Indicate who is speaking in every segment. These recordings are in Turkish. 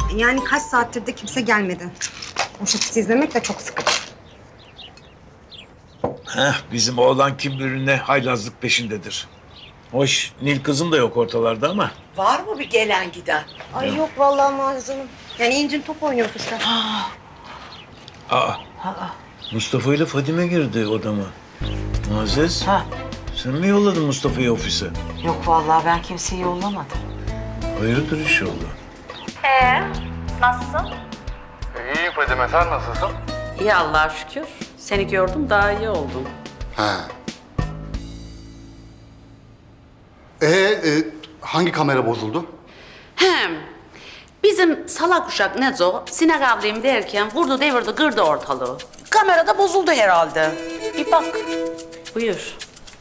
Speaker 1: Yani kaç saattir de kimse gelmedi. O şakası izlemek de çok sıkıcı.
Speaker 2: Bizim oğlan kim bilir ne haylazlık peşindedir. Hoş, Nil kızım da yok ortalarda ama.
Speaker 3: Var mı bir gelen giden?
Speaker 1: Ay yok vallahi Muazzez Hanım. Yani incin top oynuyor kızlar.
Speaker 2: Aa, Mustafa ile Fadime girdi odama. Muazzez,
Speaker 3: Ha.
Speaker 2: sen mi yolladın Mustafa'yı ofise?
Speaker 3: Yok vallahi ben kimseyi yollamadım.
Speaker 2: Hayırdır inşallah.
Speaker 4: Nasılsın?
Speaker 5: İyiyim Fadime, sen nasılsın?
Speaker 4: İyi Allah'a şükür. Seni gördüm daha iyi oldum.
Speaker 5: He. Hangi kamera bozuldu?
Speaker 4: Hem bizim salak uşak Nezo sinek avlayayım derken vurdu devirdi kırdı ortalığı.
Speaker 3: Kamerada bozuldu herhalde. Bir bak.
Speaker 4: Buyur.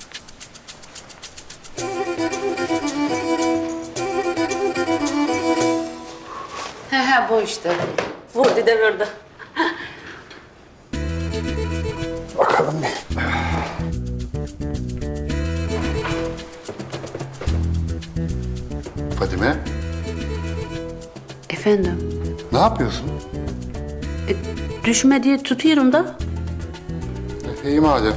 Speaker 4: He bu işte. Vurdu devirdi.
Speaker 5: Bakalım bir. Fadime,
Speaker 4: Efendim?
Speaker 5: ne yapıyorsun?
Speaker 4: Düşme diye tutuyorum da.
Speaker 5: İyi madem.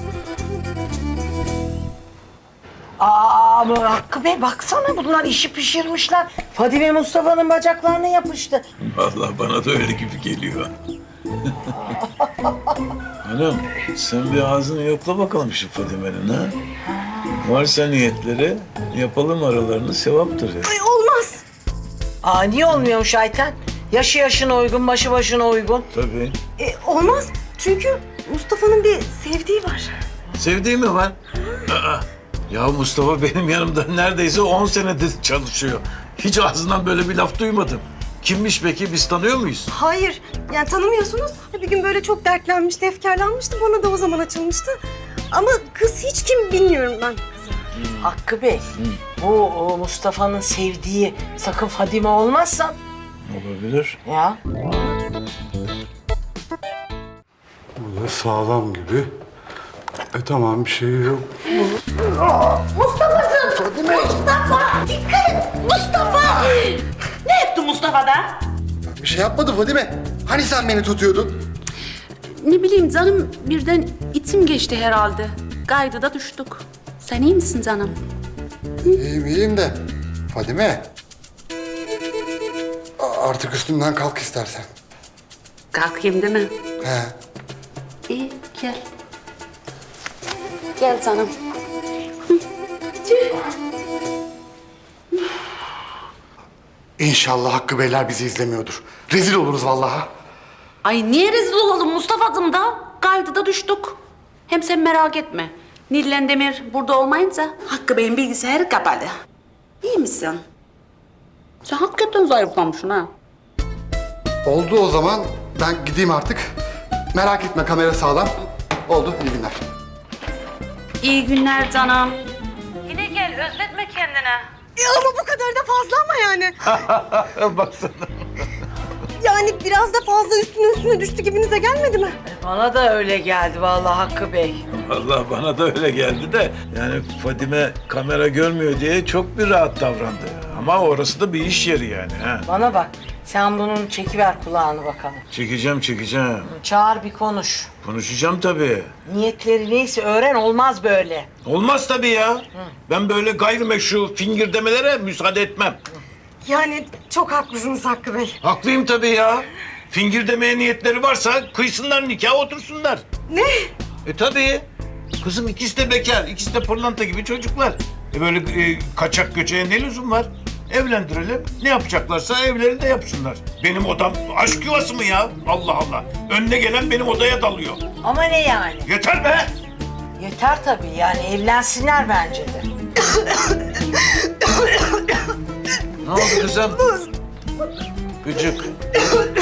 Speaker 3: Aa bu Hakkı Bey baksana bunlar işi pişirmişler. Fadime Mustafa'nın bacaklarına yapıştı.
Speaker 2: Vallahi bana da öyle gibi geliyor. Hanım, sen bir ağzını yokla bakalım şu Fadime'nin ha. Varsa niyetleri yapalım aralarını, sevaptır ya.
Speaker 1: Ay olmaz.
Speaker 3: Aa niye olmuyormuş Ayten? Yaşı yaşına uygun, başı başına uygun.
Speaker 2: Tabii.
Speaker 1: Olmaz. Çünkü Mustafa'nın bir sevdiği var.
Speaker 2: Sevdiği mi var? Aa, ya Mustafa benim yanımda neredeyse 10 senedir çalışıyor. Hiç ağzından böyle bir laf duymadım. Kimmiş peki? Biz tanıyor muyuz?
Speaker 1: Hayır. Yani tanımıyorsunuz. Bir gün böyle çok dertlenmişti, efkarlanmıştı. Bana da o zaman açılmıştı. Ama kız hiç kim bilmiyorum ben.
Speaker 3: Hakkı Bey, bu o Mustafa'nın sevdiği sakın Fadime olmazsa
Speaker 2: Olabilir.
Speaker 3: ya.
Speaker 5: Bu da sağlam gibi. Tamam, bir şey yok.
Speaker 4: Ne etti Mustafa'da?
Speaker 5: Bir şey yapmadı Fadime. Hani sen beni tutuyordun?
Speaker 4: Ne bileyim canım birden itim geçti herhalde. Kaydı da düştük. Sen iyi misin canım?
Speaker 5: İyiyim de. Fadime. Artık üstümden kalk istersen.
Speaker 4: Kalkayım değil mi?
Speaker 5: He.
Speaker 4: İyi gel. Gel canım.
Speaker 5: İnşallah Hakkı Beyler bizi izlemiyordur. Rezil oluruz vallahi.
Speaker 4: Ay niye rezil olalım Mustafa'cığım da? Kaydı da düştük. Hem sen merak etme. Nillen Demir burada olmayınca Hakkı Bey'in bilgisayarı kapalı. İyi misin? Sen hakikaten zayıflamışsın ha.
Speaker 5: Oldu o zaman. Ben gideyim artık. Merak etme, kamera sağlam. Oldu, iyi günler.
Speaker 4: İyi günler canım. Yine gel özletme kendine.
Speaker 1: Ama bu kadar da fazla ama yani.
Speaker 2: Baksana.
Speaker 1: Yani biraz da fazla üstüne düştü gibinize gelmedi mi?
Speaker 3: Bana da öyle geldi vallahi Hakkı Bey.
Speaker 2: Vallahi bana da öyle geldi de yani Fadime kamera görmüyor diye çok bir rahat davrandı. Ama orası da bir iş yeri yani ha.
Speaker 3: Bana bak, sen bunun çekiver kulağını bakalım.
Speaker 2: Çekeceğim.
Speaker 3: Çağır bir konuş.
Speaker 2: Konuşacağım tabii.
Speaker 3: Niyetleri neyse öğren, olmaz böyle.
Speaker 2: Olmaz tabii ya. Ben böyle gayrimeşru fingirdemelere müsaade etmem.
Speaker 1: Yani çok haklısınız Hakkı Bey.
Speaker 2: Haklıyım tabii ya. Fingir niyetleri varsa kıysınlar nikah otursunlar.
Speaker 1: Ne?
Speaker 2: Tabii. Kızım ikisi de bekar, ikisi de pırlanta gibi çocuklar. Böyle kaçak göçeğe ne lüzum var? Evlendirelim. Ne yapacaklarsa evlerinde yapsınlar. Benim odam aşk yuvası mı ya? Allah Allah. Önüne gelen benim odaya dalıyor.
Speaker 3: Ama ne yani?
Speaker 2: Yeter be!
Speaker 3: Yeter tabii yani evlensinler bence de.
Speaker 2: Ne oldu kızım? Gıcık.